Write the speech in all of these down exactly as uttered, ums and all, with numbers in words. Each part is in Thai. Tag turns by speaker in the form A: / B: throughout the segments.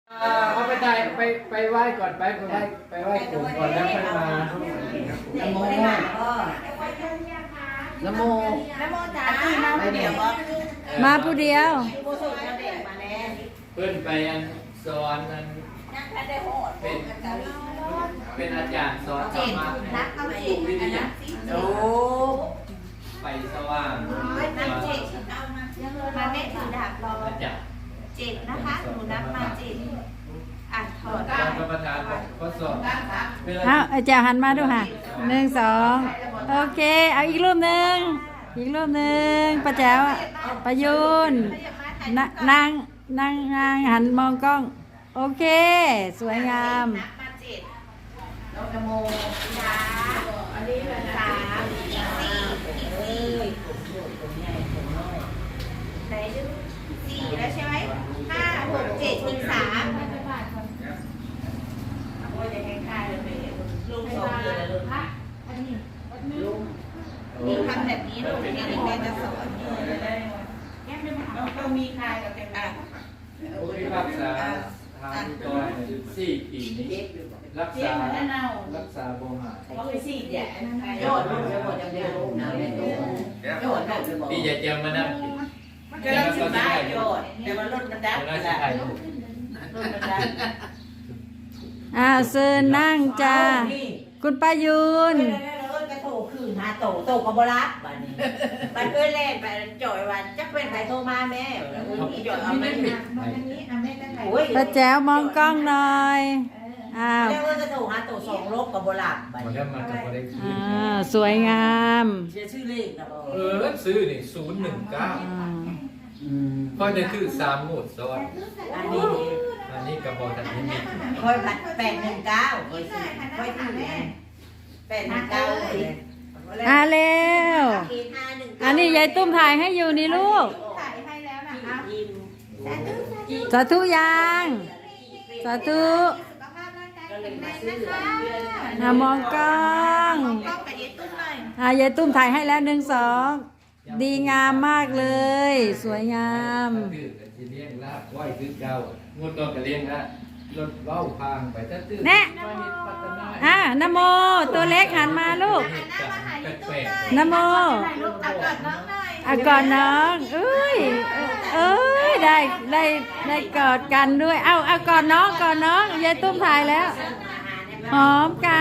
A: เอาไปได้ไปไปไหว้ก่อนไปไปไหว้ไปไหว้ปู่ก่อนแล้วค่อยมานะโมนะโม
B: นะโมจ๋ามาเดี๋ยวบ่
C: มาผู้เดียว
B: ผู้สูงอายุมาแน่
A: เพื่อนไปอันสอนอัน
B: นั่งแค่ได้โหด
A: เป็นเป็นอาจารย์สอนธรรมะ
B: นักเอาจิตอันนั้นโอ้
A: ไปสว่าง
B: นักจิตเอามามาแม่ถือดาบรอ
A: อาจารย์
B: จิตนะคะหนูนับมาจิตอ่ะถอด
A: ตอนประธานก็สอนเวลา
C: เอาอาจารย์หันมาดูค่ะหนึ่งสองโอเค เอาอีกรูปหนึ่งอีกรูปหนึ่งป้าแจ๋วประยุนนนางนางนางหันมองกล้อง โอเค สวยงาม
B: นับมาจิตนะโมสามอันนี้เป็นสามอีกสี่อีกสี่ไหนดูสี่แล้วใช่ไหมห้าหกเจ็ดอีกสามโอ้ยจะให้ค่ายเลยไปลุงสองเดือนแล้วลุงลุงนี่ทำแบบนี้ลูกนี่นี่แม่จะสอนต้องมีค่ายกับเป็นอ่ะ
A: ผู้พิพากษาทางก่อนสี่ปีนี้รักษารักษาบ่หาย
B: เขาไปสี่แย่โยนลูกจะหมดจะเดียวลูกนะโยนโยนลูกจะบอก
A: พี่จะเจียมมานั่งกิน
B: มันก็ต้องสิบได้โยนแต่มันลดมันดับ
A: แล้ว
B: มัน
A: สิ
B: ดับ
A: ถ่ายรูป
B: ลดมันดับ
C: อ่าเซินนั่งจ้าคุณป้ายุน
B: กระโถคืนหาโตโตกับบรับบัดนี้บัดเอ้ยแล่นไปจ่อยวันจักเป็นใครโทรมาแม่จ่อยเอาไม่ผิดโอ้ย
C: ป้าแจ๋วมองกล้องหน่อยอ้าว
B: แล้วกระโถหาโตสองลบกับบรับบัด
A: หมด
B: นี้
A: แล้วมันก็บ่ได้คืน
C: อ่าสวยงาม
B: เชื่อชื่อเลขนะบ่
A: เออซื้อนี่ศูนย์หนึ่งเก้า
C: อืม
A: เพราะนี่คือสามหมดซ้อน
B: อันนี้ดี
A: อันนี้กระบอกทันนี้มี
B: ค่อยบัดแปดหนึ่งเก้าค่อยซื้อค่อยถือแปดหนึ่งเก้าเลย
C: อ่าเร็ว อันนี้ยายตุ้มถ่ายให้อยู่นี่ลูก
B: ถ่ายให้แล้วนะคะ
C: สาธุยัง สาธุ
B: สุขภาพร่างกายแข็งแรงนะคะ
C: อ่ามองกล้อง
B: กล้องกับยายตุ้มหน่อย
C: อ่ายายตุ้มถ่ายให้แล้วหนึ่งสองดีงามมากเลย สวยงาม
A: ตื้อกันสิเลี้ยงลาบไหวคือเก่างดก็เลี้ยงละรถเว้าพางไปถ้าตื้อ
C: แน่
A: มานิดพัฒนา
C: อ่ะนโม ตัวเล็กหันมาลูก
B: หันหน้ามาหายายตุ้ม
C: นโม
B: ถ่ายรูปเอาก่อนน้องหน่อย
C: อ่ะกอดน้องเอ้ย เอ้ย ได้ได้ได้กอดกันด้วย เอาเอากอดน้องกอดน้อง ยายตุ้มถ่ายแล้ว หอมกัน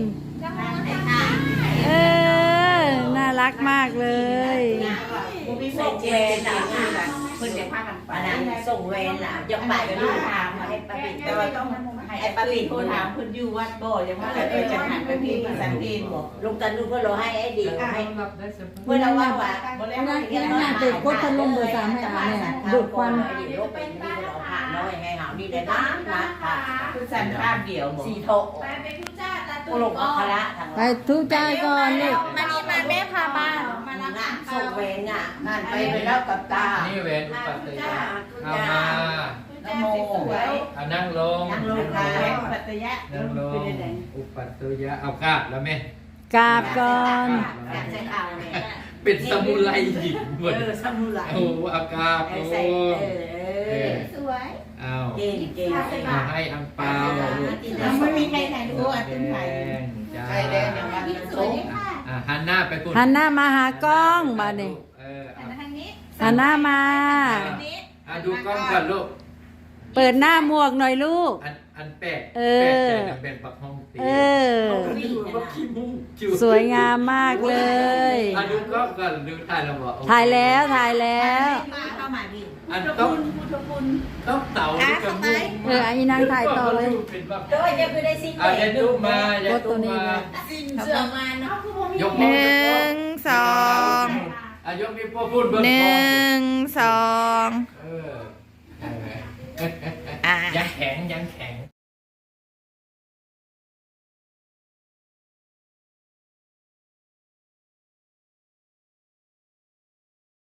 C: เออ น่ารักมากเลย
B: ส่งเวรล่ะเพิ่นจะพากันไปนะส่งเวรล่ะจะไปลูกถามมาให้ป้าปิ่นแต่ว่าต้องให้ป้าปิ่นโทรถามเพิ่นอยู่วัดบ่ยังว่าเออจะหันไปพี่สันติบ่ลุงตันลูกเพิ่นรอให้ไอ้ดีให้
A: รับได้สม
B: เพื่อนเราว่าว่าบริษัทเงินน้อย
C: ติดพุทธลมเบอร์สามให้อ่านเนี่ยดูดควัน
B: ไปดีโลกไปนี่เราผ่านน้อยไงหานี่ได้นะนะค่ะคือสันภาพเดียวสี่โถไปเป็นทุจ้าตาตุลงอัคระทาง
C: ไปทุกจ้าก่อนลูก
B: มานี่มาแม่พาบ้านมาละงานส่งเวรงอ่ะงานไปไปแล้วกับตา
A: นี่แหวนอุปัตตยะเอามา
B: น้ำโม
A: เอานั่งลง
B: นั่งลงค่ะปัตตยะ
A: นั่งลงอุปัตตยะเอากราบแล้วแม่
C: กราบก่อน
B: อยากใช้ข่าวเนี่ย
A: เป็นสมุไรหญิงหมด
B: เออสมุไร
A: โอ้เอากราบ
B: ไอ้
A: โอ้
B: ใส่เออสวย
A: เอา
B: เก่งเก่ง
A: เอาให้อังเปา
B: ไม่มีใครถ่ายรูปอ่ะตึ้งถ่าย
A: จ้า
B: ใครแดงอย่างวันนั้นโชว์
A: อ่ะหันหน้าไปคุณ
C: หันหน้ามาหากล้องมาเนี่ย
A: เออเอา
B: ทางนี้
C: หันหน้ามา
A: อ่ะดูกล้องก่อนลูก
C: เปิดหน้าหมวกหน่อยลูก
A: อันอันแปะ
C: เอ
A: แปะ
C: อ
A: ใจกันเป็นปักห้องตี
C: เออ
A: ดูว่าขี้มุ้งจิ้
C: สวยงามมากเลย
A: อ่ะดูกล้องก่อนดูถ่ายแล้วบอกโอเค
C: ถ่ายแล้วถ่ายแล้ว
B: มาเข้ามาดิ
A: อันต้องต้องเต่าดูกับมุ้ง
C: เอออันนี้นางถ่ายต่อเลย
A: เป็นแบบ
B: โดยจะคือได้สิ่ง
A: อ่ะอย่าตุ้มมาอย่าตุ้มมา
B: สิ่งเสื่อมาเนาะคือบ่มี
A: ยก
C: ห
A: มือ
C: นึ่งสอง
A: อ่ะยกนิ้วโป้งพูดเบิ้ง
C: ห
A: คอ
C: นึ่งสอง
A: เออ